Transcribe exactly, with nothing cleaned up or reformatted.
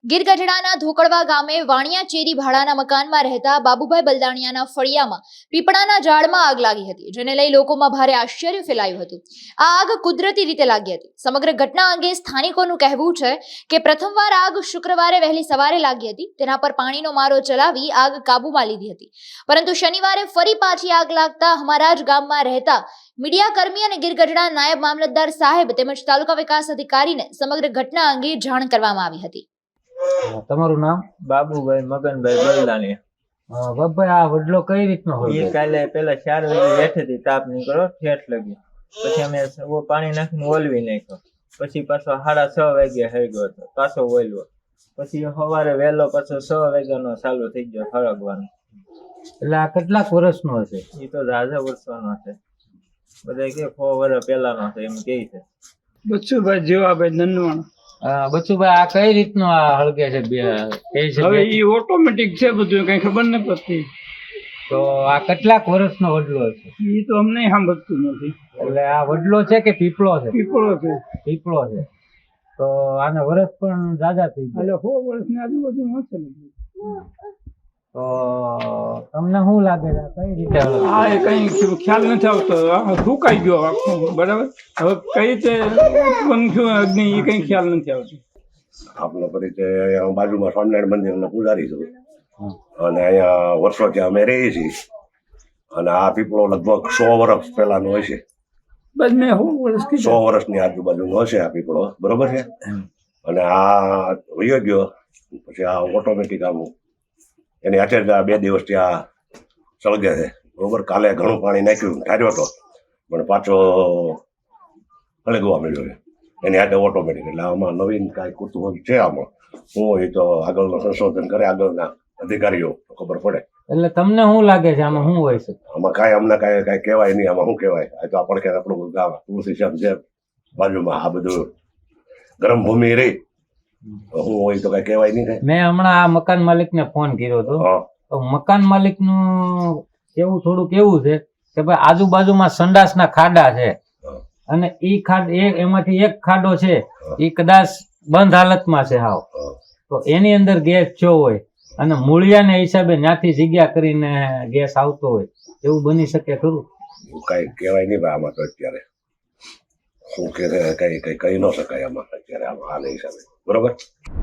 ગીર ગઢડાના ધોકડવા ગામે વાણિયા ચેરી ભાડાના મકાનમાં રહેતા બાબુભાઈ બલદાણિયાના ફળિયામાં પીપળાના ઝાડમાં આગ લાગી હતી, જેને લઈ લોકોમાં ભારે આશ્ચર્ય ફેલાયું હતું। આ આગ કુદરતી રીતે લાગી હતી। સમગ્ર ઘટના અંગે સ્થાનિકોનું કહેવું છે કે પ્રથમવાર આગ શુક્રવારે વહેલી સવારે લાગી હતી, તેના પર પાણીનો મારો ચલાવી આગ કાબૂમાં લીધી હતી, પરંતુ શનિવારે ફરી પાછી આગ લાગતા અમારા જ ગામમાં રહેતા મીડિયા કર્મી અને ગીર ગઢડા નાયબ મામલતદાર સાહેબ તેમજ તાલુકા વિકાસ અધિકારીને સમગ્ર ઘટના અંગે જાણ કરવામાં આવી હતી। તમારું નામ? બાબુભાઈ મગનભાઈ બલદાણિયા। બાબુભાઈ, આ વડલો કઈ રીતનો હોય? એ કાલે પેલા ચાર વાગે બેઠી હતી, તાપ નીકળો ઠેઠ લગી, પછી અમે પાણી નાખીને ઓલવી નાખ્યો, પછી પાછો સાડા છ વાગે થઈ ગયો હતો, પાછો ઓલવો, પછી સવારે વહેલો પાછો છ વાગ્યાનો ચાલુ થઈ ગયો ફરકવાનો। એટલે આ કેટલાક વર્ષનો હશે? એ તો રાજા વર્ષોનો છે, બધા કે સો વર્ષ પહેલાનો છે એમ કે છે। બચ્ચુભાઈ જીવાભાઈ નનવાણા। બચ્ચુભાઈ, આ કઈ રીતનો આ હળગે છે? હવે એ ઓટોમેટિક છે, બધું કઈ ખબર ન પડતી। તો આ કેટલાક વર્ષનો વડલો છે? એ તો અમને સાંભળતું નથી। એટલે આ વડલો છે કે પીપળો છે? પીપળો છે। પીપળો છે તો આને વર્ષ પણ જાજા થઈ ગયા, એટલે સો વર્ષની આજુબાજુ હશે ને। તો તમને શું લાગે છે કઈ રીતે? હા, એ કઈ ખ્યાલ નથી આવતો, સુકાઈ ગયો આખું, બરાબર। હવે કઈ રીતે ઉત્પન્ન થયું અગ્નિ એ કઈ ખ્યાલ નથી આવતો। આપનો પરિચય, અહીંયા બાજુમાં સ્વામિનારાયણ મંદિરના પૂજારી છું અને અહીંયા વર્ષોથી અમે રહીએ છીએ અને આ પીપળો લગભગ સો વર્ષ પહેલાનો હશે, બસ મેં સો વર્ષ સો વર્ષની આજુબાજુનો હશે આ પીપળો, બરોબર છે। અને આ વયો ગયો પછી આ ઓટોમેટિક આમ એની અત્યારે બે દિવસથી આ સળગે છે, બરોબર। કાલે ઘણું પાણી નાખ્યું, ઠાર્યો હતો, પણ પાછો સળગવા મળ્યો છે એની હાથે ઓટોમેટિક। એટલે આમાં નવીન કાંઈ કુતૂહલ છે આમાં, હું હોય તો આગળનું સંશોધન કરે આગળના અધિકારીઓ ખબર પડે। એટલે તમને શું લાગે છે આમાં શું હોય છે? આમાં કાંઈ અમને કાંઈ કાંઈ કહેવાય નહીં, આમાં શું કહેવાય? આ તો આપણે કે આપણું ગામ તુલસીશ્યામ છે બાજુમાં, આ બધું ગરમ ભૂમિ રહી, શું હોય તો કાંઈ કહેવાય નહીં કાંઈ। મેં હમણાં આ મકાન માલિક ને ફોન કર્યો હતો, તો મકાન માલિક નું એવું થોડુંક એવું છે કે ભાઈ આજુબાજુમાં સંડાસના ખાડા છે અને ઈ ખાડ એમાંથી એક ખાડો છે એ કદાચ બંધ હાલતમાં છે હાવ, તો એની અંદર ગેસ જો હોય અને મૂળિયાના હિસાબે ત્યાંથી જગ્યા કરીને ગેસ આવતો હોય, એવું બની શકે ખરું? કાંઈ કહેવાય નહીં ભાઈ આમાં તો અત્યારે, શું કે કઈ કઈ કહી ન શકાય આમાં અત્યારે આમાં હાલ હિસાબે, બરોબર।